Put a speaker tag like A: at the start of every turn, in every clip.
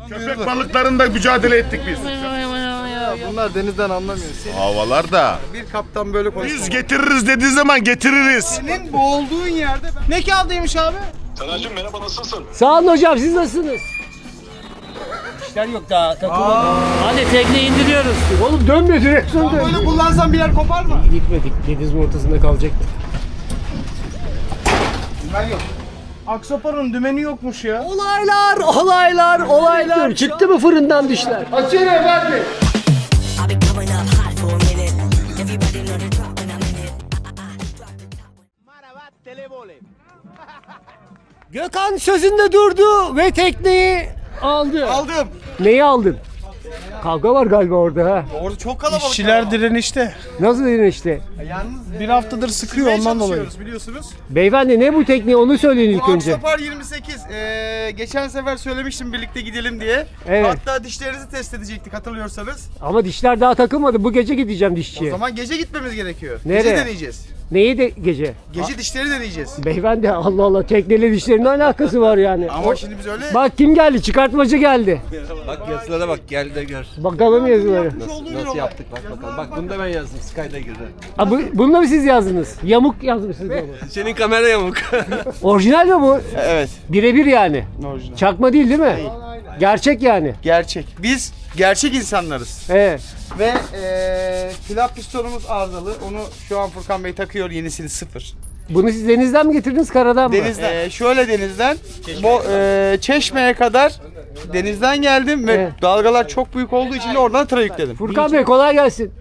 A: Köpek balıklarında mücadele ettik biz.
B: Bunlar denizden anlamıyor.
A: Havalarda.
B: Bir kaptan böyle konuşuyor.
A: Biz getiririz dediği zaman getiririz.
B: Senin boğulduğun yerde ne kağıdıymış abi?
C: Taner'cim merhaba, nasılsın?
D: Sağ olun hocam, siz nasılsınız? İşler yok daha takılmadı. Hadi tekne indiriyoruz. Oğlum dönmüyor, direksiyon dönmüyor.
B: Böyle kullansan bir yer kopar mı?
D: Gitmedik, denizin ortasında kalacaktık.
B: Ben yok. Aksopar'ın dümeni yokmuş ya.
D: Olaylar. Çıktı mı fırından dişler?
B: Açın efendim.
E: I've been coming up hot for a minute. Everybody know the drop when I'm in it.
D: Gökhan sözünde durdu ve tekneyi aldı.
B: Aldım.
D: Neyi aldın? Kavga var galiba orada ha.
B: Orada çok kalabalık.
F: İşçiler direnişte.
D: Nasıl dedin işte?
B: Yalnız
F: Bir haftadır sıkıyor ondan dolayı.
B: biliyorsunuz.
D: Beyefendi ne bu tekne, onu söyleyin ilk
B: Bu
D: önce.
B: Aksopar 28. Geçen sefer söylemiştim birlikte gidelim diye.
D: Evet.
B: Hatta dişlerinizi test edecektik hatırlıyorsanız.
D: Ama dişler daha takılmadı. Bu gece gideceğim
B: O
D: dişçiye.
B: zaman gece gitmemiz gerekiyor.
D: Nereye?
B: Gece deneyeceğiz.
D: Neyi de gece?
B: Gece dişleri deneyeceğiz.
D: Beyefendi Allah Allah, tekneyle dişlerin ne alakası var yani?
B: Ama şimdi biz öyle...
D: Bak kim geldi? Çıkartmacı geldi.
G: Bak yazılara bak, gel de gör.
D: Bakalım yazıları.
G: Nasıl yaptık bak bakalım. Bak bunu da ben yazdım, Sky'da girdi.
D: Ha, bunu da mı siz yazdınız? Yamuk yazmışsınız ama.
G: Senin kamera yamuk.
D: Orijinal mi bu?
B: Evet.
D: Birebir yani.
B: Orijinal.
D: Çakma değil mi? Gerçek yani.
B: Gerçek. Biz gerçek insanlarız.
D: Evet.
B: Ve flap pistonumuz arızalı. Onu şu an Furkan Bey takıyor, yenisini sıfır.
D: Bunu siz denizden mi getirdiniz, karadan mı?
B: Denizden. Şöyle denizden. Çeşme'ye kadar denizden geldim ve
D: Evet.
B: dalgalar çok büyük olduğu için de oradan tıra yükledim.
D: Furkan Bey kolay gelsin.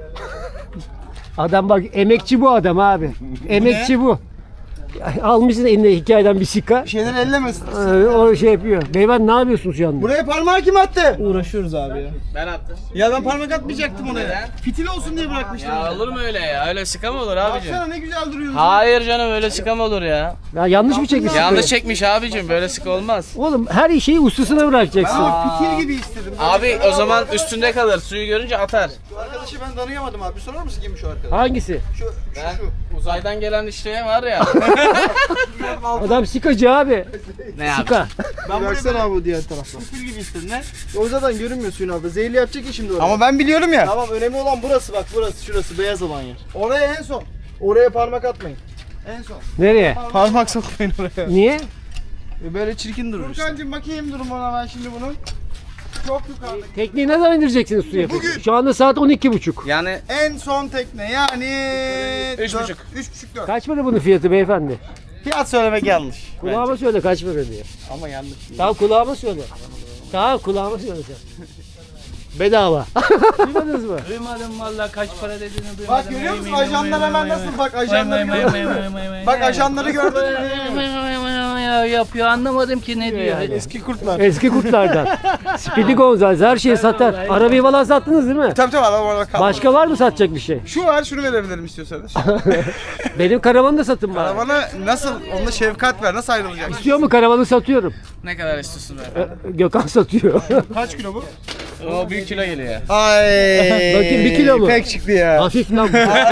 D: Adam bak, emekçi bu adam abi. Emekçi bu. Almışsın eline hikayeden bir sika.
B: Bir şeyler ellemesin.
D: O şey yapıyor. Beyefendi ne yapıyorsunuz şu anda?
B: Buraya parmağı kim attı?
F: Uğraşıyoruz abi ya.
H: Ben attım.
B: Ya ben parmak atmayacaktım oraya. Fitil olsun diye bırakmıştım.
H: Ya olur mu öyle ya? Öyle sıka mı olur abicim?
B: Baksana ne güzel duruyorsun.
H: Hayır canım, öyle sıka mı olur ya?
D: Ya yanlış mı çekmişsin?
H: Yanlış çekmiş abicim, böyle sıka olmaz.
D: Oğlum her şeyi ustasına bırakacaksın.
B: Ama fitil gibi istedim.
H: Abi o zaman üstünde kalır, suyu görünce atar.
B: Şu arkadaşı ben tanıyamadım abi. Bir sorar mısın kimmiş o arkadaş?
D: Hangisi?
H: Ben uzaydan gelen işte var ya.
D: Adam sikacı abi.
H: Ne yaptı?
D: Sika.
B: Ben
F: Baksana abi bu diğer taraftan.
B: fitil gibi istedim ne?
F: O zaten görünmüyor suyun altında. Zehirli yapacak ya şimdi oraya.
B: Ama ben biliyorum ya.
F: Tamam, önemli olan burası bak, burası, şurası beyaz olan yer.
B: Oraya en son.
F: Oraya parmak atmayın.
B: En son.
D: Nereye?
F: Parmak sokmayın oraya.
D: Niye?
F: Böyle çirkin durur işte.
B: Furkancığım bakayım durumuna ben şimdi bunun. Çok yukarıda.
D: Tekneyi ne zaman indireceksiniz suya?
B: Bugün.
D: Şu anda saat 12.30.
H: Yani
B: En son tekne yani...
H: 3,5.
B: 3,5 4.
D: Kaç para bunun fiyatı beyefendi?
B: Fiyat söylemek yanlış.
D: Kulağıma söyle kaç para diye.
B: Ama yanlış.
D: Tamam kulağıma söyle. Tamam kulağıma söyle sen. Bedava. Duymadınız mı?
H: duymadım vallahi kaç para dediğini duymadım.
B: Bak görüyor musun ajanlar hemen nasıl? Bak ajanları gördün mü? Bak ajanları gördün mü?
H: Yapıyor, anlamadım ki ne diyor.
F: Eski kurtlar.
D: Eski kurtlardan. Speedy Gonzales her şeyi satar. Arabayı falan sattınız değil mi?
B: Tabii adam orada kaldı.
D: Başka var mı satacak bir şey?
B: Şu var şunu verebilirim istiyorsanız.
D: Benim karavanı da satın bari.
B: Bana nasıl onunla şefkat ver nasıl ayrılacak?
D: İstiyor mu, karavanı satıyorum.
H: Ne kadar istiyorsun be?
D: Gökhan satıyor.
B: Kaç kilo bu?
H: O büyük kilo geliyor.
B: Ay.
D: Bakayım, 1 kilo mu?
B: Pek çıktı ya.
D: Hafif lan.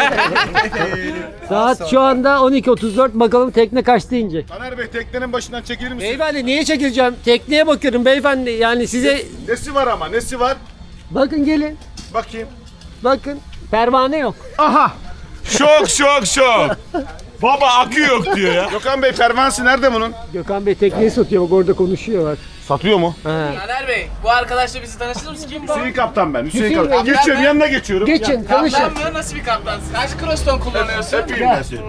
D: Saat şu anda 12.34, bakalım tekne kaçta inecek?
A: Taner Bey teknenin başından çekilir misin?
D: Beyefendi niye çekileceğim? Tekneye bakıyorum beyefendi. Yani size
A: Nesi var ama nesi var?
D: bakın gelin.
A: Bakayım.
D: Bakın. Pervane yok.
A: Aha. Şok. Baba akü yok diyor ya. Gökhan Bey pervanesi nerede bunun?
D: Gökhan Bey tekneyi satıyor, bak orada konuşuyor bak.
A: Satıyor mu?
D: Ha.
H: Taner Bey, bu arkadaşla bizi tanıştırır mısın? Kim bu?
A: Hüseyin kaptan ben. Hüseyin
D: Hüseyin
A: kaptan.
D: Bey,
A: Geçiyorum
H: ben-
A: yanına geçiyorum.
D: Geçin, tanışın.
H: Kaptan mı? Nasıl bir kaptansın? Kaç kroston kullanıyorsun?
A: Öpeyim ben seni.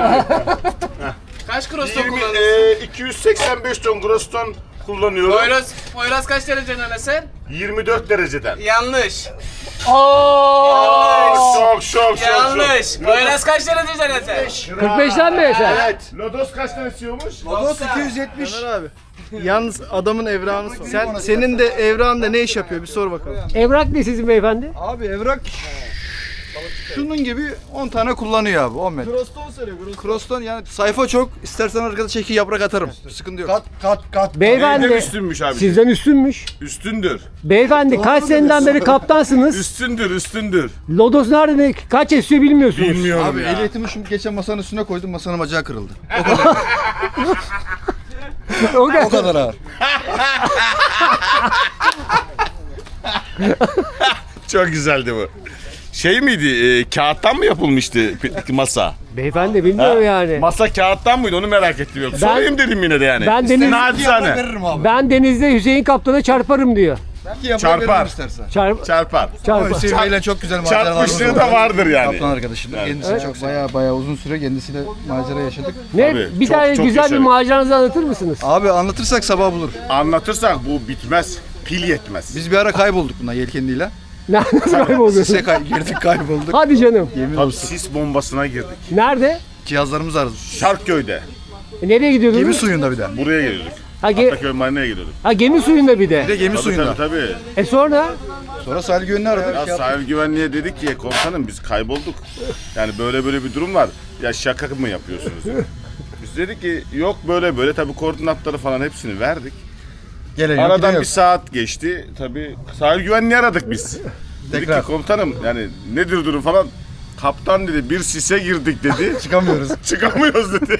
H: Kaç kroston
A: 20,
H: kullanıyorsun?
A: 285 ton groston kullanıyorum.
H: Poyraz kaç derece öneser?
A: 24 dereceden.
H: Yanlış.
A: Şok.
H: Yanlış. Poyraz kaç derece öneser?
D: 45'ten mi eser?
A: Evet. Lodos kaçtan esiyormuş?
B: Lodos 270.
F: Taner abi. Yalnız adamın evrağını sor. Senin de evrağında ne iş yapıyor bir sor bakalım.
D: Evrak ne sizin beyefendi?
F: Abi evrak şunun gibi 10 tane kullanıyor abi 10 metre.
B: Croston söylüyor.
F: Croston yani sayfa çok. İstersen arkada çeki yaprak atarım. Sıkıntı yok.
A: Kat.
D: Beyefendi.
A: Neyden üstünmüş abi?
D: Sizden üstünmüş.
A: Üstündür.
D: Beyefendi kaç seneden beri kaptansınız?
A: Üstündür.
D: Lodos nerede? Kaç esiyor bilmiyorsunuz.
A: Bilmiyorum
F: Abi
A: ya.
F: ehliyetimi şimdi geçen masanın üstüne koydum, masanın bacağı kırıldı.
D: O kadar.
F: O kadar ağır.
A: Çok güzeldi bu. Şey miydi? Kağıttan mı yapılmıştı masa?
D: Beyefendi bilmiyorum yani.
A: Masa kağıttan mıydı? Onu merak ettim. Yok.
D: Ben-
A: Sorayım dedim yine de yani.
D: Ben deniz,
A: Nacizane.
D: ben denizde Hüseyin Kaptan'a çarparım diyor.
A: Çarpar.
D: Çarpar.
A: Çarpar.
F: Hüseyin Bey'le çok güzel maceralarımız
A: Çarpmışlığı da vardır yani.
F: Kaptan arkadaşım. Kendisi çok baya uzun süre kendisiyle macera yaşadık.
D: Ne?
A: Tabii,
D: Bir
A: çok-
D: tane
A: çok
D: güzel bir
A: yaşadık.
D: maceranızı anlatır mısınız?
F: Abi anlatırsak sabah bulur.
A: Anlatırsak bu bitmez. Pil yetmez.
F: Biz bir ara kaybolduk buna yelkenliyle.
D: Nasıl kayboldunuz?
F: Sise girdik kaybolduk.
D: Hadi canım.
A: Tabii sis bombasına girdik.
D: Nerede?
F: Cihazlarımız arızı.
A: Şarkköy'de.
D: Nereye gidiyordunuz?
F: Gemi suyunda bir de.
A: Buraya geliyorduk.
D: Ha,
A: Ataköy Marina'ya geliyorduk.
D: gemi suyunda bir de.
F: Bir de gemi suyunda.
A: Tabii.
D: Sonra?
F: Sonra sahil güvenliği aradık.
A: Ya sahil güvenliğe dedik ki komutanım biz kaybolduk. Yani böyle bir durum var. Ya şaka mı yapıyorsunuz? Biz dedik ki yok böyle tabii koordinatları falan hepsini verdik.
F: Gelen yok,
A: Aradan
F: giden
A: bir
F: yok.
A: saat geçti. Tabii sahil güvenliği aradık biz. Dedik
F: Tekrar.
A: ki komutanım yani nedir durum falan. Kaptan dedi bir sise girdik dedi.
F: Çıkamıyoruz.
A: Çıkamıyoruz dedi.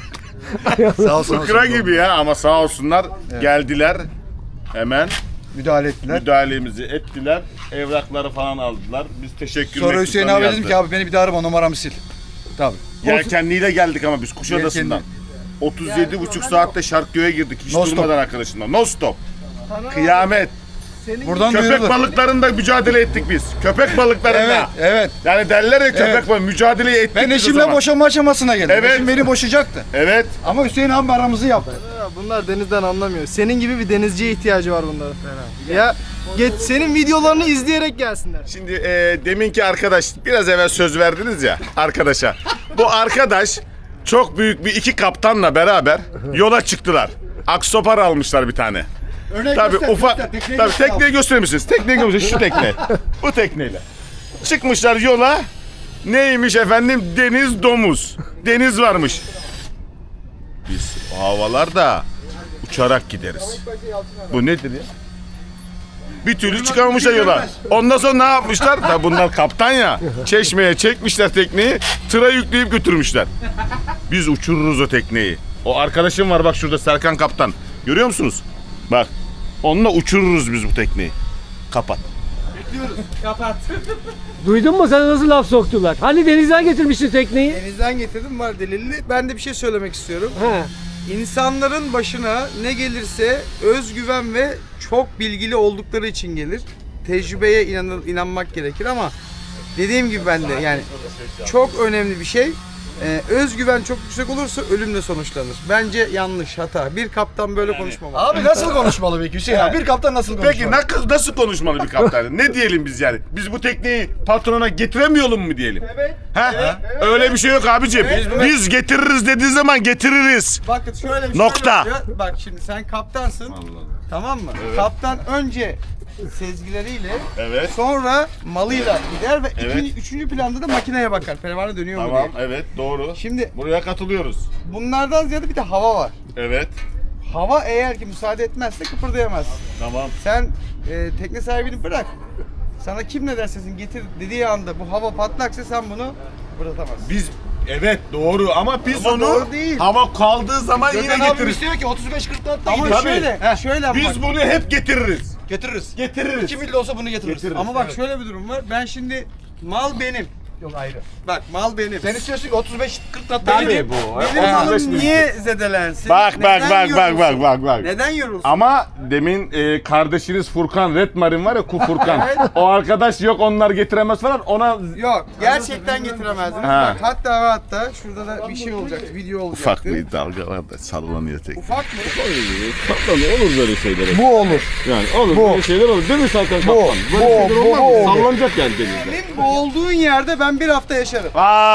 F: Sağ olsun.
A: Fıkra gibi ya ama sağ olsunlar geldiler. Hemen
F: Müdahale ettiler.
A: müdahalemizi ettiler. Evrakları falan aldılar. Biz teşekkür
F: Sonra Hüseyin abi dedim ki abi beni bir daha arama numaramı sil. Tabii.
A: Yelkenliyle geldik ama biz Kuşadası'ndan. 37,5 saatte Şarkköy'e girdik hiç
F: No stop.
A: durmadan arkadaşımla. No stop. Kıyamet.
F: Buradan
A: Köpek
F: duyurulur.
A: balıklarında mücadele ettik biz. Köpek balıklarında.
F: Evet, evet.
A: Yani derler ya köpek
F: Evet.
A: balığı mücadeleyi ettik
F: Ben
A: biz o
F: eşimle
A: zaman.
F: boşanma aşamasına geldim.
A: Evet.
F: Eşim beni boşayacaktı.
A: Evet.
F: Ama Hüseyin abi aramızı yaptı.
B: Bunlar denizden anlamıyor. Senin gibi bir denizciye ihtiyacı var bunların. Ya senin videolarını izleyerek gelsinler.
A: Şimdi deminki arkadaş biraz evvel söz verdiniz ya arkadaşa. Bu arkadaş çok büyük bir iki kaptanla beraber yola çıktılar. Aksopar almışlar bir tane. Tabii ufak. Tabii tekneyi gösterir misiniz? Tekneyi gösterir misiniz? Şu tekne. Bu tekneyle. Çıkmışlar yola. Neymiş efendim? Deniz domuz. Deniz varmış. Biz o havalarda uçarak gideriz. Bu nedir ya? Bir türlü çıkamamışlar yola. Ondan sonra ne yapmışlar? Tabii bunlar kaptan ya. Çeşmeye çekmişler tekneyi. Tıra yükleyip götürmüşler. Biz uçururuz o tekneyi. O arkadaşım var bak şurada Serkan kaptan. Görüyor musunuz? Bak. Onunla uçururuz biz bu tekneyi. Kapat.
D: Duydun mu sana nasıl laf soktular? Hani denizden getirmiştin tekneyi?
B: Denizden getirdim var delilli. Ben de bir şey söylemek istiyorum.
D: He.
B: İnsanların başına ne gelirse özgüven ve çok bilgili oldukları için gelir. Tecrübeye inanmak gerekir ama dediğim gibi ben de yani çok önemli bir şey. Özgüven çok yüksek olursa ölümle sonuçlanır. Bence yanlış, hata. Bir kaptan böyle konuşmamalı.
F: Abi nasıl konuşmalı peki Hüseyin abi? Bir kaptan nasıl konuşmalı?
A: Peki nasıl konuşmalı bir kaptan? Ne diyelim biz yani? Biz bu tekneyi patrona getiremiyorum mu diyelim?
B: Evet.
A: Ha? Öyle bir şey yok abicim. Biz getiririz dediği zaman getiririz.
B: Bakın şöyle bir
A: Nokta.
B: şey oluyor. Bak şimdi sen kaptansın. Tamam mı? Kaptan önce sezgileriyle
A: Evet.
B: sonra malıyla gider ve
A: Evet.
B: üçüncü planda da makineye bakar. Pervane dönüyor mu
A: Tamam,
B: diye.
A: evet doğru.
B: Şimdi
A: Buraya katılıyoruz.
B: bunlardan ziyade bir de hava var.
A: Evet.
B: Hava eğer ki müsaade etmezse kıpırdayamazsın.
A: Tamam.
B: Sen tekne sahibini bırak. Sana kim ne derse getir dediği anda bu hava patlaksa sen bunu kıpırdatamazsın.
A: Biz evet doğru ama biz
B: Ama
A: onu
B: doğru değil.
A: hava kaldığı zaman yine
F: Gökhan abi
A: getiririz.
F: istiyor ki 35-40 knotla
B: Ama
F: gidiyor.
B: şöyle bak.
A: Biz bunu hep getiririz.
F: Getiririz.
A: Getiririz.
F: 2 milli olsa bunu getiririz.
B: Ama bak şöyle bir durum var. Ben şimdi mal benim.
F: Yok ayrı.
B: Bak mal benim.
F: Sen istiyorsun ki 35-40 knotla
B: Benim,
F: gidiyor.
B: benim malım niye zedelensin?
A: Bak
B: Neden yorulsun?
A: bak.
B: Neden yorulsun?
A: Ama demin kardeşiniz Furkan Red Marine var ya Furkan.
B: Evet.
A: O arkadaş yok onlar getiremez falan ona
B: Yok gerçekten getiremezdiniz.
A: Ha.
B: Bak hatta şurada da bir şey olacaktı. Video olacaktı.
A: ufak bir dalgalar da sallanıyor tek.
B: Ufak mı?
A: Olur böyle şeyler.
F: Bu olur.
A: Yani olur böyle şeyler olur. Değil mi Serkan Kaptan? Böyle şeyler olmaz mı? Sallanacak yani denizde.
B: Senin boğulduğun yerde ben bir hafta yaşarım.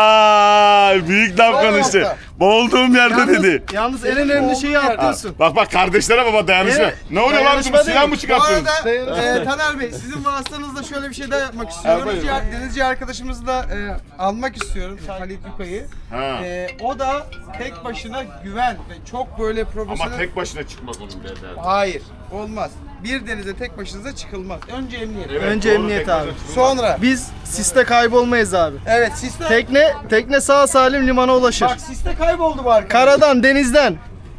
A: Vay büyük laf konuştu.
B: hafta.
A: Boğulduğum yerde dedi.
B: Yalnız en önemli şeyi atlıyorsun.
A: Bak kardeşlere baba dayanışma. Ne oluyor lan
B: Dayanışma
A: bu silah
B: değil.
A: mı çıkartıyorsunuz?
B: Bu arada Taner Bey sizin vasıtanızla şöyle bir şey daha yapmak istiyorum. Denizci arkadaşımızı da almak istiyorum. Halit Yuka'yı.
A: Ha.
B: O da tek başına güven ve çok böyle profesyonel...
A: Ama tek başına çıkmak onun derdi.
B: Hayır olmaz. Bir denize tek başınıza çıkılmaz. Önce emniyet.
F: Önce emniyet abi.
B: Sonra.
F: Biz siste kaybolmayız abi.
B: Evet siste...
F: Tekne sağ salim limana ulaşır.
B: Bak siste kayboldu bu arkadaş.
F: Karadan, denizden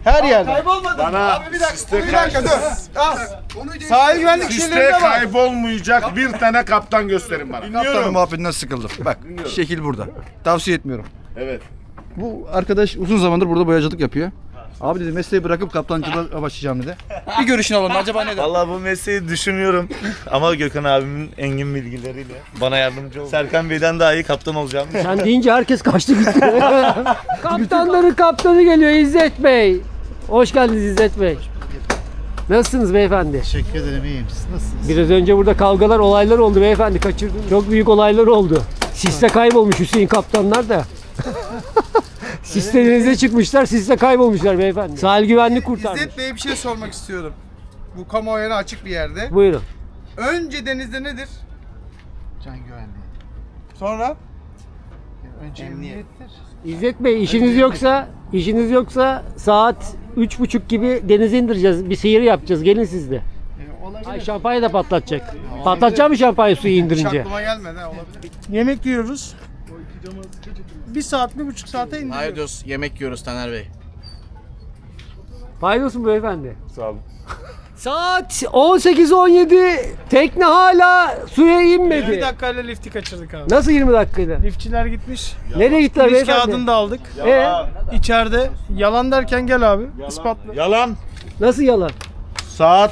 F: Her yerde.
B: Kaybolmadı.
A: Bana
B: Abi bir dakika.
A: siste
B: Bir dakika dur. Al. Sahil güvenlik
A: Siste
B: şeylerine bak.
A: kaybolmayacak bir tane kaptan gösterin bana.
F: Kaptanın muhabbetinden sıkıldım. Bak şekil burada. Tavsiye etmiyorum.
A: Evet.
F: Bu arkadaş uzun zamandır burada boyacılık yapıyor. Abi dedi mesleği bırakıp kaptancılığa başlayacağım dedi. Bir görüşünü alalım acaba neden?
I: Vallahi bu mesleği düşünüyorum ama Gökhan abimin engin bilgileriyle bana yardımcı oldu. Serkan Bey'den daha iyi kaptan olacağım.
D: Sen deyince herkes kaçtı gitti. Kaptanların kaptanı geliyor İzzet Bey. Hoş geldiniz İzzet Bey. Nasılsınız beyefendi?
I: Teşekkür ederim, iyiyim. Siz nasılsınız?
D: Biraz önce burada kavgalar, olaylar oldu beyefendi. Kaçırdınız. Çok büyük olaylar oldu. Siste kaybolmuş Hüseyin kaptanlar da. Siste denize çıkmışlar, siste kaybolmuşlar beyefendi. Sahil güvenlik kurtarmış.
B: İzzet Bey'e bir şey sormak istiyorum. Bu kamuoyuna açık bir yerde.
D: Buyurun.
B: Önce denizde nedir?
I: Can güvenliği.
B: Sonra?
I: Önce emniyettir.
D: İzzet Bey işiniz yoksa saat 3.30 gibi denize indireceğiz. Bir seyir yapacağız. Gelin siz de. Ay şampanya da patlatacak. Patlatacak mı şampanya suyu
B: Hiç
D: indirince?
B: aklıma gelmedi ha, olabilir.
F: Yemek yiyoruz. 1 saat, 1,5 saate indiriyoruz.
H: Hayır diyoruz, yemek yiyoruz Taner Bey.
D: Paylaşın beyefendi. Sağ olun. Saat 18:17 tekne hala suya inmedi.
F: 20 dakikayla lifti kaçırdık abi.
D: Nasıl 20 dakikada?
F: Liftçiler gitmiş.
D: Nereye gittiler
F: Polis
D: beyefendi?
F: kağıdını da aldık. İçeride. Yalan derken gel abi. İspatla.
A: Yalan.
D: Nasıl yalan?
I: Saat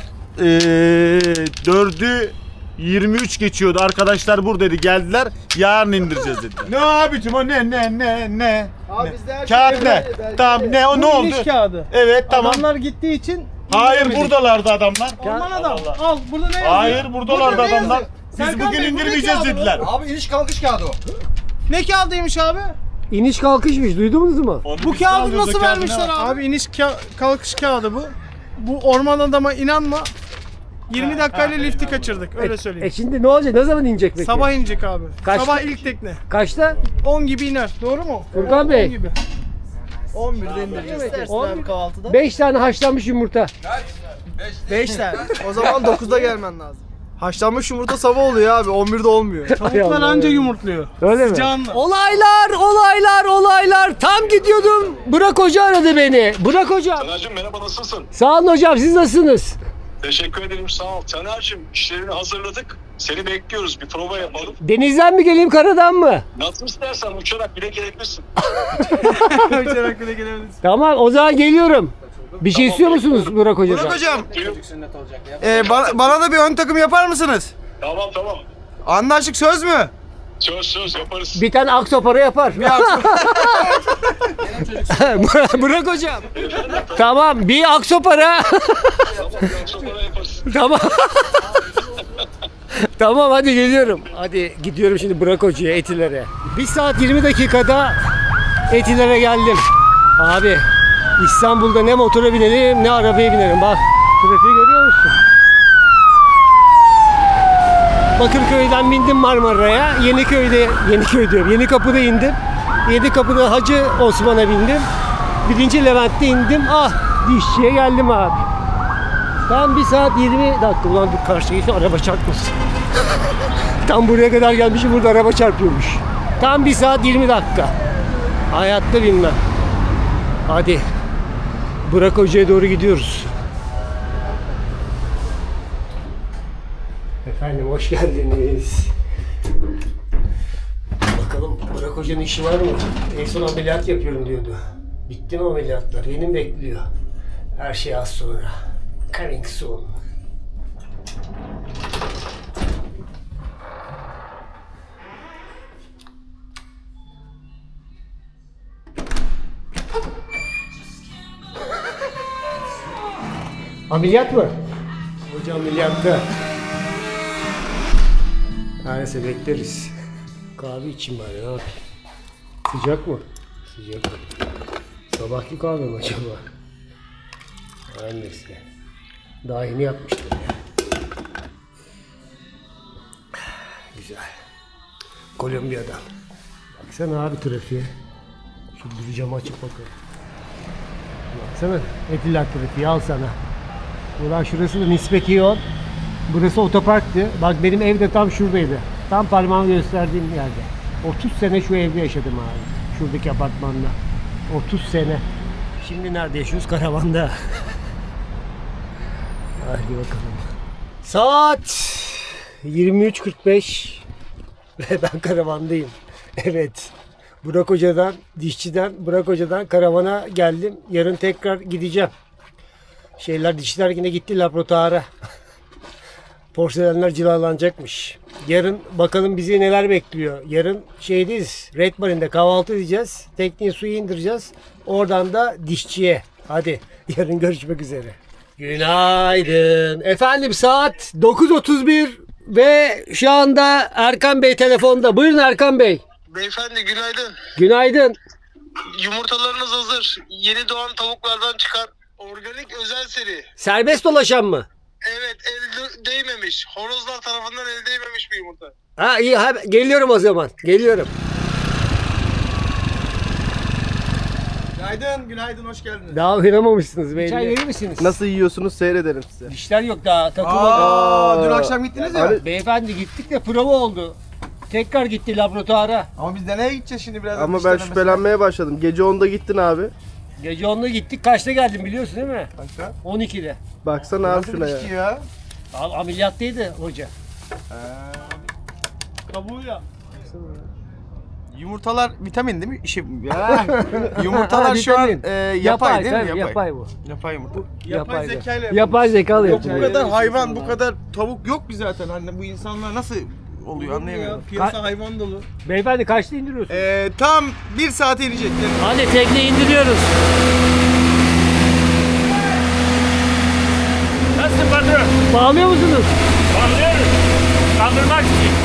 I: 4'ü 23 geçiyordu. Arkadaşlar buradaydı. Geldiler. Yarın indireceğiz dediler. Ne abicim o ne?
F: Abi bizde her
I: Kağıt ne? Tamam ne o ne oldu?
F: İniş kağıdı.
I: Evet tamam.
F: Adamlar gittiği için
I: Hayır
F: indiremedik.
I: buradalardı adamlar.
F: Aman adam. Al burada ne yazıyor?
I: Hayır buradalardı
F: Burada ne
I: adamlar.
F: yazıyor?
I: Biz
F: Serkan
I: bugün
F: Bey, bu ne
I: indirmeyeceğiz
F: kağıdı bu?
I: dediler.
B: Abi iniş kalkış kağıdı o.
F: Ne kağıdıymış abi?
D: İniş kalkışmış. Duydunuz mu?
F: Bu kağıdı nasıl vermişler abi? Abi iniş kalkış kağıdı bu. Bu orman adama inanma. 20 dakikayla lifti kaçırdık öyle söyleyeyim.
D: Şimdi ne olacak? Ne zaman inecek peki?
F: Sabah inecek abi.
D: Kaçta?
F: Sabah ilk tekne.
D: Kaçta?
F: 10 gibi iner. Doğru mu?
D: Furkan
F: 10
D: Bey.
F: gibi. 11'de indireceğiz.
D: 5 tane haşlanmış yumurta.
F: 5 tane. O zaman 9'da gelmen lazım. Haşlanmış yumurta sabah oluyor abi. 11'de olmuyor. Tavuklar anca yumurtluyor.
D: Öyle mi?
F: Canlı.
D: Olaylar. Tam gidiyordum. Burak Hoca aradı beni. Burak Hocam.
C: Taner'cim merhaba nasılsın?
D: Sağ olun hocam. Siz nasılsınız?
C: Teşekkür ederim sağ ol. Taner'cim işlerini hazırladık. Seni bekliyoruz bir prova yapalım.
D: Denizden mi geleyim karadan mı?
C: Nasıl istersen uçarak bile gelebilirsin.
F: Uçarak bile gelebiliriz.
D: Tamam o zaman geliyorum. Bir şey istiyor musunuz Burak Hoca'dan?
B: Burak hocam,
C: Buyur.
B: bana da bir ön takım yapar mısınız?
C: Tamam.
B: Anlaştık, söz mü?
C: Söz yaparız.
D: Bir tane aksopara yapar. Burak Hocam. Tamam bir aksopara.
C: Sonra yaparız.
D: Tamam. Tamam hadi geliyorum. Hadi gidiyorum şimdi Burak Hoca'ya Etiler'e. 1 saat 20 dakikada Etiler'e geldim. Abi İstanbul'da ne motora binerim ne arabaya binerim. Bak trafiği görüyor musun? Bakırköy'den bindim Marmara'ya. Yeniköy diyorum. Yenikapı'da indim. Yenikapı'da Hacı Osman'a bindim. 1. Levent'te indim. Dişçiye geldim abi. Tam 1 saat 20 dakika. Ulan dur karşıya geçti araba çarpmasın. Tam buraya kadar gelmişim burada araba çarpıyormuş. Tam 1 saat 20 dakika. Hayatta bilmem. Hadi. Burak Hoca'ya doğru gidiyoruz. Efendim hoş geldiniz. Bakalım Burak Hoca'nın işi var mı? En son ameliyat yapıyorum diyordu. Bitti mi ameliyatlar? Beni mi bekliyor? Her şey az sonra. Coming soon. Ameliyat mı? Hoca ameliyatta. Neyse bekleriz. Kahve içeyim bari ne yapayım? Sıcak mı? Sıcak. Sabahki kahve mi acaba? Her neyse. Daha yeni yapmıştım ya. Güzel. Kolombiya'dan. Baksana abi trafiğe. Şu bir camı açıp bakalım. Baksana Etiler trafiği al sana. Ulan şurası da nispeti yol. Burası otoparktı. Bak benim ev de tam şuradaydı. Tam parmağımı gösterdiğim yerde. 30 sene şu evde yaşadım abi. Şuradaki apartmanda. 30 sene. Şimdi nerede yaşıyoruz? Karavanda. Hadi bakalım. Saat 23.45 ve ben karavandayım. Evet. Burak Hoca'dan, dişçiden Burak Hoca'dan karavana geldim. Yarın tekrar gideceğim. Dişçiler yine gitti laboratuvara. Porselenler cilalanacakmış. Yarın bakalım bizi neler bekliyor. Yarın şeydeyiz. Red Marine'de kahvaltı edeceğiz. Tekneyi suya indireceğiz. Oradan da dişçiye. Hadi yarın görüşmek üzere. Günaydın. Efendim saat 9.31 ve şu anda Erkan Bey telefonda. Buyurun Erkan Bey.
C: Beyefendi günaydın.
D: Günaydın.
C: Yumurtalarınız hazır. Yeni doğan tavuklardan çıkar. Organik özel seri.
D: Serbest dolaşan mı?
C: Evet, el değmemiş. Horozlar tarafından el değmemiş bir yumurta.
D: Ha iyi geliyorum o zaman. Geliyorum.
B: Günaydın, hoş geldiniz.
D: Daha uyanamamışsınız belli. Çay verir misiniz?
J: Nasıl yiyorsunuz seyredelim size.
D: Dişler yok daha takılmadı.
B: Dün akşam gittiniz ya.
D: Beyefendi gittik de prova oldu. Tekrar gitti laboratuvara.
B: Ama biz nereye gideceğiz şimdi birazdan?
J: Ama
B: diş
J: ben
B: denemesine?
J: şüphelenmeye başladım. Gece 10'da gittin abi.
D: Gece 10'da gittik. Kaçta geldim biliyorsun değil mi?
B: Kaçta?
D: 12'de.
J: Baksana abi şuna ya.
B: Dişçi ya.
D: Ameliyattaydı hoca.
F: Kabuğu ya.
B: Yumurtalar vitamin değil mi? Yumurtalar şu an yapay değil mi?
D: tabii, yapay bu.
B: Yapay yumurta.
D: Yapay
B: zekayla yapılmış.
D: Yapay zekalı
B: Yok bu
D: yapıyor.
B: kadar hayvan, bu kadar tavuk yok bir zaten. Hani bu insanlar nasıl oluyor anlayamıyorum.
F: Piyasa hayvan dolu.
D: Beyefendi kaçta indiriyorsun?
B: Tam 1 saate inecek.
D: Hadi tekne indiriyoruz.
K: Nasılsın patron?
D: Bağlıyor musunuz?
K: Bağlıyoruz. Kaldırmak için.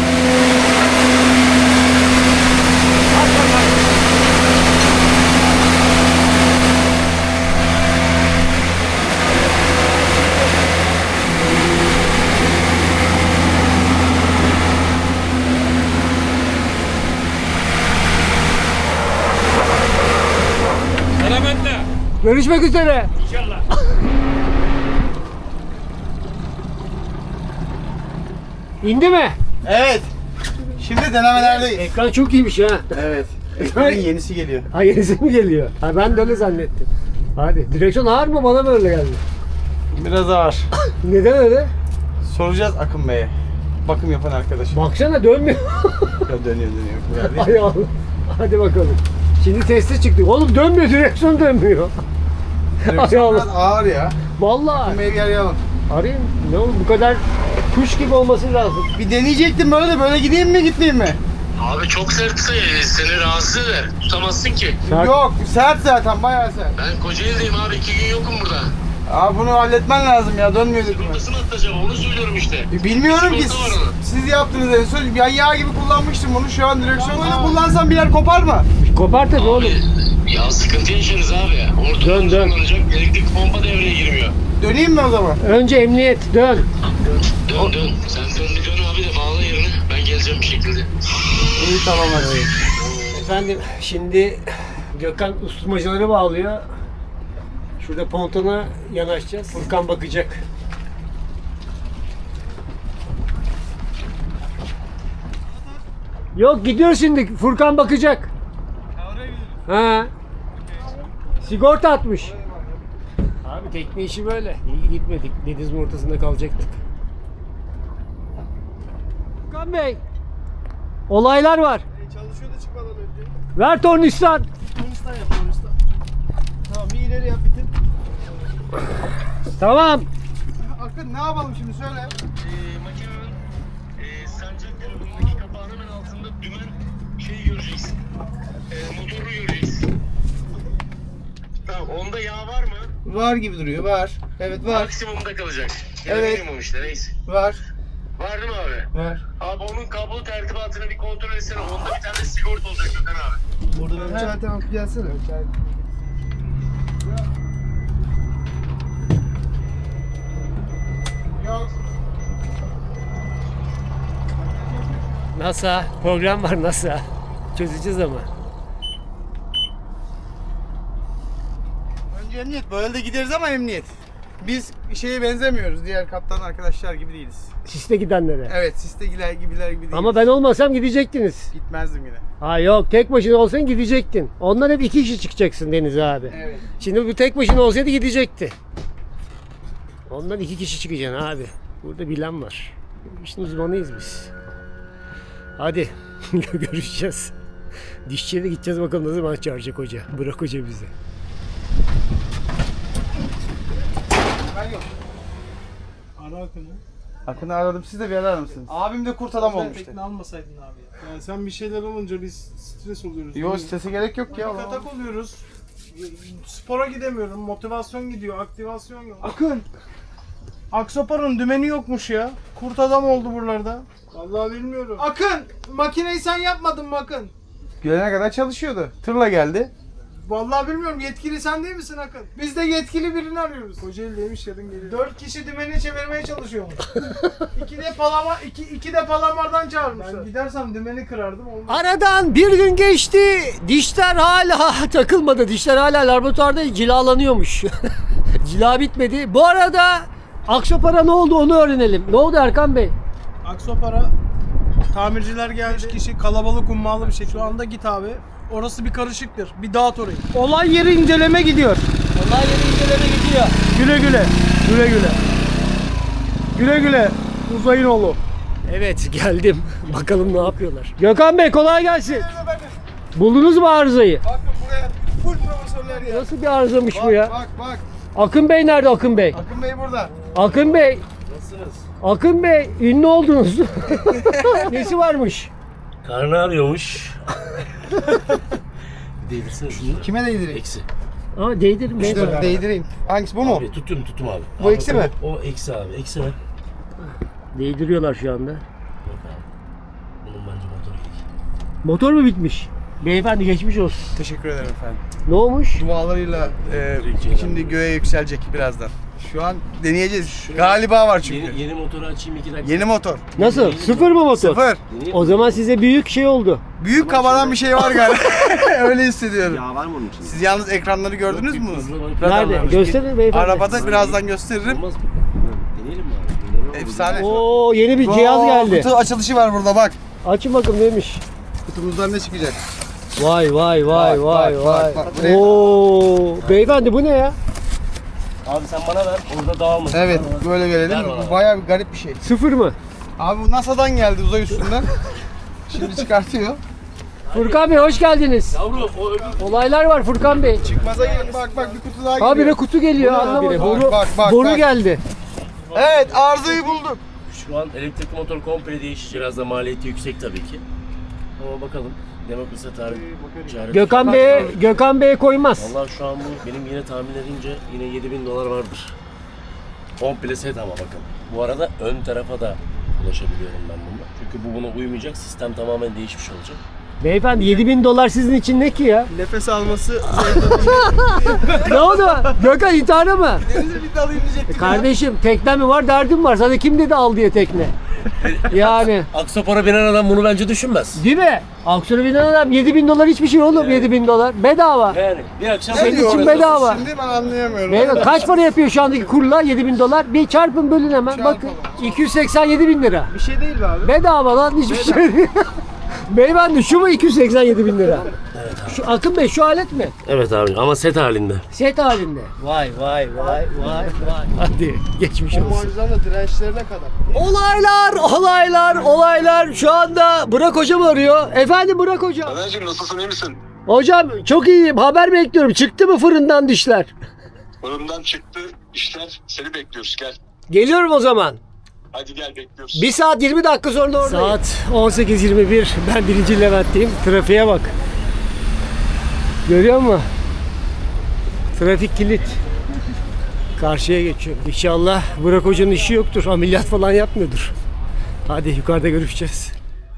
K: Selametle.
D: Görüşmek üzere.
K: İnşallah.
D: İndi mi?
B: Evet. Şimdi denemelerdeyiz.
D: Ekran çok iyiymiş ha.
B: Evet. Ekranın yenisi geliyor.
D: Ha yenisi mi geliyor? Ha ben de öyle zannettim. Hadi. Direksiyon ağır mı? Bana mı öyle geldi?
B: Biraz ağır.
D: Neden öyle?
B: Soracağız Akın Bey'e. Bakım yapan arkadaşım.
D: Baksana dönmüyor.
B: Ya dönüyor.
D: Hay Allah. Hadi bakalım. Şimdi teste çıktık. Oğlum dönmüyor. Direksiyon dönmüyor. Hay
B: Direksiyon biraz
D: Allah.
B: ağır ya.
D: Vallahi.
B: Akın Bey'i bir arayalım.
D: Arayayım. Ne olur bu kadar kuş gibi olması lazım.
B: Bir deneyecektim böyle gideyim mi gitmeyeyim mi?
C: Abi çok sertse seni rahatsız eder. Tutamazsın ki.
B: Yok sert zaten bayağı sert.
C: Ben Kocaeli'deyim abi. 2 gün yokum burada.
B: Abi bunu halletmen lazım ya dönmüyor dedim.
C: Nasıl atacağım onu söylüyorum işte.
B: Bilmiyorum ki
C: Sigorta var onun.
B: siz yaptınız en son. Ben yağ gibi kullanmıştım bunu. Şu an direksiyon öyle kullansam bir yer kopar mı?
D: Kopar tabii oğlum.
C: Ya sıkıntı yaşarız abi. Ortadan
D: Dön.
C: kullanacak. Elektrik pompa devreye girmiyor.
B: Döneyim mi o zaman?
D: Önce emniyet. Dön.
C: Dön. Sen dön abi de bağla yerine. Ben geleceğim bir şekilde.
B: İyi tamam hadi.
D: Efendim şimdi Gökhan usturmacıları bağlıyor. Şurada pontona yanaşacağız. Furkan bakacak. Yok gidiyor şimdi. Furkan bakacak. Ha. Sigorta atmış. Abi tekne işi böyle. İyi gitmedik. Denizin ortasında kalacaktık. Furkan Bey. Olaylar var.
F: Çalışıyor da çıkmadan önce.
D: Ver tornistan.
F: Tunistan yap Tunistan. Tamam bir ileri yap bitin.
D: Tamam.
B: Akın ne yapalım şimdi söyle.
C: Makinenin sancak tarafındaki kapağın hemen altında dümen şeyi göreceksin. Motoru göreceksin. Tamam onda yağ var mı?
B: Var gibi duruyor var. Evet var.
C: Maksimumda kalacak. Ya
B: Evet.
C: minimum işte neyse.
B: Var.
C: Var değil mi abi?
B: Var.
C: Abi onun kablo tertibatını bir kontrol etsene. Onda bir tane sigorta olacak Gökhan abi.
B: Burada
F: Tamam gelsene.
B: Yok.
D: NASA program var NASA. Çözeceğiz ama.
B: Önce emniyet. Böyle de gideriz ama emniyet. Biz şeye benzemiyoruz. Diğer kaptan arkadaşlar gibi değiliz.
D: Siste gidenlere.
B: Evet, sistegiler gibiler gibi değiliz.
D: Ama ben olmasam gidecektiniz.
B: gitmezdim yine.
D: Ha yok, tek başına olsan gidecektin. Ondan hep 2 kişi çıkacaksın Deniz abi.
B: Evet.
D: Şimdi bu tek başına olsaydı gidecekti. Ondan 2 kişi çıkacaksın abi. Burada bilen var. İşin uzmanıyız biz. Hadi görüşeceğiz. Dişçiye de gideceğiz, bakalım ne zaman çağıracak hoca. Bırak hoca bizi.
F: Ara Akın'ı.
B: Akın'ı aradım, siz de bir arar mısınız? Abim de kurt adam
F: Sen
B: olmuştu.
F: tekne almasaydın abi ya. Yani sen bir şeyler olunca biz stres oluyoruz.
B: Yok, strese gerek yok ya.
F: Panik atak oluyoruz. Spora gidemiyorum. Motivasyon gidiyor. Aktivasyon yok.
B: Akın.
F: Aksopar'ın dümeni yokmuş ya. Kurt adam oldu buralarda. Vallahi bilmiyorum. Akın! Makineyi sen yapmadın mı Akın?
B: Gelene kadar çalışıyordu. Tırla geldi.
F: Vallahi bilmiyorum. Yetkili sen değil misin Akın? Biz de yetkili birini arıyoruz. Kocaeli'deymiş, yarın gelir. 4 kişi dümeni çevirmeye çalışıyormuş. 2 de palamardan çağırmışlar. Ben gidersem dümeni kırardım. Olmaz.
D: Aradan bir gün geçti. Dişler hala takılmadı. Dişler hala laboratuvarda cilalanıyormuş. Cila bitmedi. Bu arada Aksopara ne oldu onu öğrenelim. Ne oldu Erkan Bey?
F: Aksopara tamirciler geldi. 3 kişi kalabalık ummalı bir şey. Şu anda git abi. Orası bir karışıktır. Bir dağıt orayı. Olay yeri inceleme gidiyor.
D: Olay yeri inceleme gidiyor.
F: Güle güle. Güle güle. Güle güle. Uzayın oğlu.
D: Evet, geldim. Bakalım ne yapıyorlar. Gökhan Bey kolay gelsin. Buldunuz mu arızayı?
B: Bakın buraya full profesörler ya.
D: Nasıl bir arızamış bu ya?
B: Bak.
D: Akın Bey nerede Akın Bey?
B: Akın Bey burada.
D: Akın Bey. Nasılsınız? Akın Bey ünlü oldunuz. Nesi varmış?
K: Karnı ağrıyormuş. Değdirsene şunu.
B: Kime değdireyim?
K: Eksi.
D: Aa değdirin bey.
B: Dur değdireyim. Hangisi bu mu?
K: Abi tutum abi.
B: Bu
K: Abi,
B: eksi mi?
K: O eksi abi. Eksi mi?
D: Değdiriyorlar şu anda.
K: Yok abi. Bunun bence motoru gidik.
D: Motor mu bitmiş? Beyefendi geçmiş olsun.
B: Teşekkür ederim efendim.
D: Ne olmuş?
B: Dualarıyla şimdi göğe yükselecek birazdan. Şu an deneyeceğiz. Galiba var çünkü.
K: Yeni motoru açayım 2 dakika.
B: Yeni motor.
D: Nasıl? Sıfır mı motor?
B: Sıfır.
D: O zaman size büyük şey oldu.
B: Büyük kabaran bir şey var galiba. Öyle hissediyorum.
K: Yağ var mı onun içinde?
B: Siz yalnız ekranları gördünüz mü?
D: Nerede? Gösterin beyefendi.
B: Arabada birazdan gösteririm.
K: Olmaz mı? Deneyelim mi abi? Deneyelim mi?
B: Efsane.
D: Oo yeni bir cihaz geldi.
B: Kutu açılışı var burada bak.
D: Açın bakalım neymiş.
B: Kutumuzdan ne çıkacak?
D: Vay vay vay
B: Bak,
D: vay
B: bak,
D: vay.
B: bak, bak.
D: Oo beyefendi bu ne ya?
K: Abi sen bana ver. Orada dağılmasın.
B: Evet böyle gelelim.
K: Ver bana.
B: Bu bayağı bir garip bir şey.
D: Sıfır mı?
B: Abi bu NASA'dan geldi uzay üstünden. Şimdi çıkartıyor.
D: Furkan Bey hoş geldiniz.
K: Yavrum o öbür.
D: Olaylar var Furkan Bey.
B: Çıkmaza gelin bak bir kutu daha geliyor.
D: Habire kutu geliyor anlamadım. Boru,
B: bak,
D: boru
B: bak.
D: geldi.
B: Evet arızayı bulduk.
K: Şu an elektrikli motor komple değişecek. Biraz da maliyeti yüksek tabii ki. Ama bakalım. Demokrasi tarih çare.
D: Gökhan Bey koymaz.
K: Vallahi şu an bu benim yine tahmin edince yine 7.000 dolar vardır. Komple set ama bakın. Bu arada ön tarafa da ulaşabiliyorum ben bununla. Çünkü bu buna uymayacak. Sistem tamamen değişmiş olacak.
D: Beyefendi 7.000 dolar sizin için ne ki ya?
B: Nefes alması.
D: Ne oldu? Gökhan intihara mı?
B: Denize bir dalayım diyecektim.
D: Kardeşim tekne mi var derdim var. Sana kim dedi al diye tekne? Yani.
K: Aksopara binen adam bunu bence düşünmez.
D: Değil mi? Aksiyona binen adam 7.000 dolar hiçbir şey oğlum 7.000 dolar. Bedava.
K: Yani bir akşam
D: Senin için bedava.
B: Şimdi ben anlayamıyorum.
D: Beyefendi kaç para yapıyor şu andaki kurla 7.000 dolar? Bir çarpın bölün hemen.
B: Çarpalım.
D: Bakın 287 bin lira.
B: Bir şey değil mi abi?
D: Bedava lan hiçbir şey değil. Beyefendi şu mu 287 bin lira? Evet abi. Şu Akın Bey şu alet mi?
K: Evet abi ama set halinde.
D: Set halinde. Vay vay vay vay vay. Hadi geçmiş olsun.
J: Marjdan da dirençlerine kadar.
D: Olaylar. Şu anda Burak Hocam arıyor. Efendim Burak Hocam.
C: Taner'cim nasılsın, iyi misin?
D: Hocam çok iyiyim. Haber bekliyorum. Çıktı mı fırından dişler?
C: Fırından çıktı işler, seni bekliyoruz, gel.
D: Geliyorum o zaman.
C: Hadi gel, bekliyoruz.
D: 1 saat 20 dakika sonra oradayım. Saat 18.21. Ben 1. Levent'teyim. Trafiğe bak. Görüyor musun? Trafik kilit. Karşıya geçiyorum. İnşallah Burak Hoca'nın işi yoktur. Ameliyat falan yapmıyordur. Hadi yukarıda görüşeceğiz.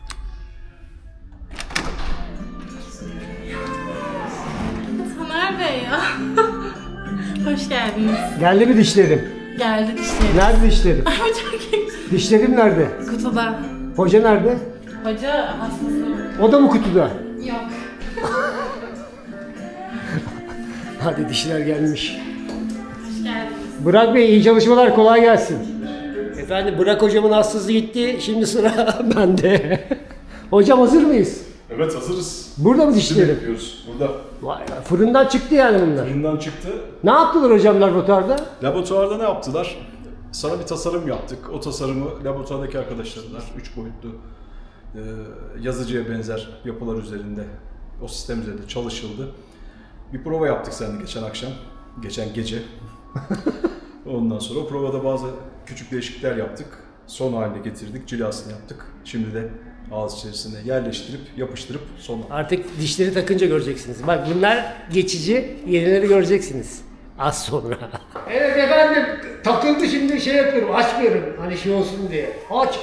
L: Taner Bey ya. Hoş geldiniz.
D: Geldi mi dişlerim?
L: Geldi dişlerim.
D: Nerede dişlerim?
L: Ay çok iyi.
D: Dişlerim nerede?
L: Kutuda.
D: Hoca nerede?
L: Hoca hastası.
D: O da mı kutuda?
L: Yok.
D: Hadi dişler gelmiş.
L: Hoş geldiniz.
D: Burak Bey iyi çalışmalar, kolay gelsin. Efendim Burak hocamın hastası gitti. Şimdi sıra bende. Hocam hazır mıyız?
M: Evet hazırız.
D: Burada mı dişlerim?
M: Yapıyoruz. Burada.
D: Vay be, fırından çıktı yani bunlar.
M: Fırından çıktı.
D: Ne yaptılar hocam laboratuvarda?
M: Laboratuvarda ne yaptılar? Sana bir tasarım yaptık. O tasarımı laboratuvardaki arkadaşlarla 3 boyutlu yazıcıya benzer yapılar üzerinde, o sistem üzerinde çalışıldı. Bir prova yaptık seninle geçen akşam, geçen gece. Ondan sonra o provada bazı küçük değişiklikler yaptık. Son haline getirdik, cilasını yaptık. Şimdi de ağız içerisine yerleştirip, yapıştırıp son.
D: Artık dişleri takınca göreceksiniz. Bak bunlar geçici, yenileri göreceksiniz. Az sonra. Evet efendim, takıldı şimdi şey yapıyorum, açmıyorum. Hani şey olsun diye. Aç.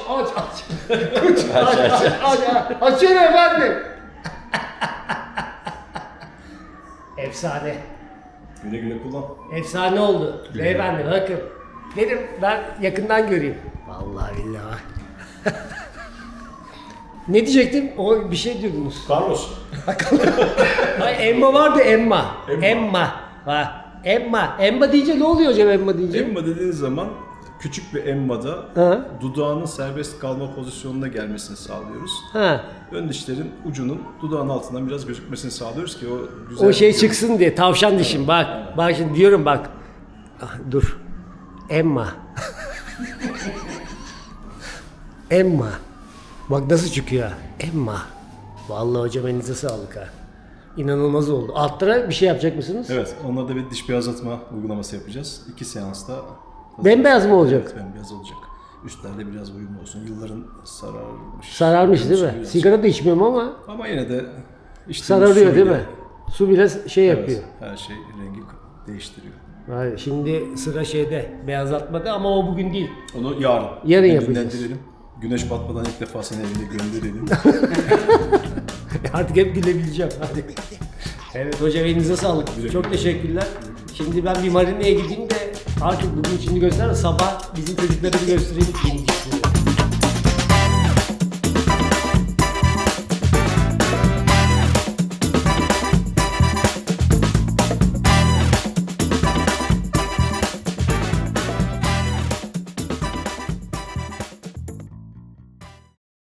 D: Açıyorum efendim. Efsane.
M: Güle güle kullan.
D: Efsane oldu. Beyefendi bakın. Dedim ben yakından göreyim. Vallahi billahi. Ne diyecektim? O bir şey diyordunuz.
M: Carlos.
D: Ay, Emma vardı Emma. Ha. Emma deyince ne oluyor hocam Emma deyince?
M: Emma dediğin zaman küçük bir emmada
D: Ha.
M: dudağının serbest kalma pozisyonuna gelmesini sağlıyoruz.
D: Ha.
M: Ön dişlerin ucunun dudağın altından biraz gözükmesini sağlıyoruz ki o güzel
D: O şey çıksın diye tavşan dişim bak. Bak şimdi diyorum bak. Ah, dur. Emma. Emma. Bak nasıl çıkıyor. Emma. Vallahi hocam elinize sağlık ha. İnanılmaz oldu. Altlara bir şey yapacak mısınız?
M: Evet, onlarda bir diş beyazlatma uygulaması yapacağız. 2 seansta
D: Bembeyaz mı olacak?
M: Evet, bembeyaz olacak. Üstlerde biraz uyumlu olsun. Yılların sararmış.
D: Sararmış değil mi?
M: Biraz.
D: Sigara da içmiyorum ama
M: Ama yine de işte
D: sararıyor değil mi? Su bile şey yapıyor.
M: Evet, her şey rengi değiştiriyor.
D: Hayır, şimdi sıra şeyde beyazlatmada ama o bugün değil.
M: Onu yarın.
D: Yarın
M: Evinden
D: yapacağız.
M: dilerim. Güneş batmadan ilk defa seni evine gönderelim.
D: Artık hep gülebileceğim. Hadi. Evet hocam elinize sağlık. Çok teşekkürler. Şimdi ben bir marineye gideyim de artık bugün içini göster. Sabah bizim çocukları bir göstereyim. Yeni dişleri.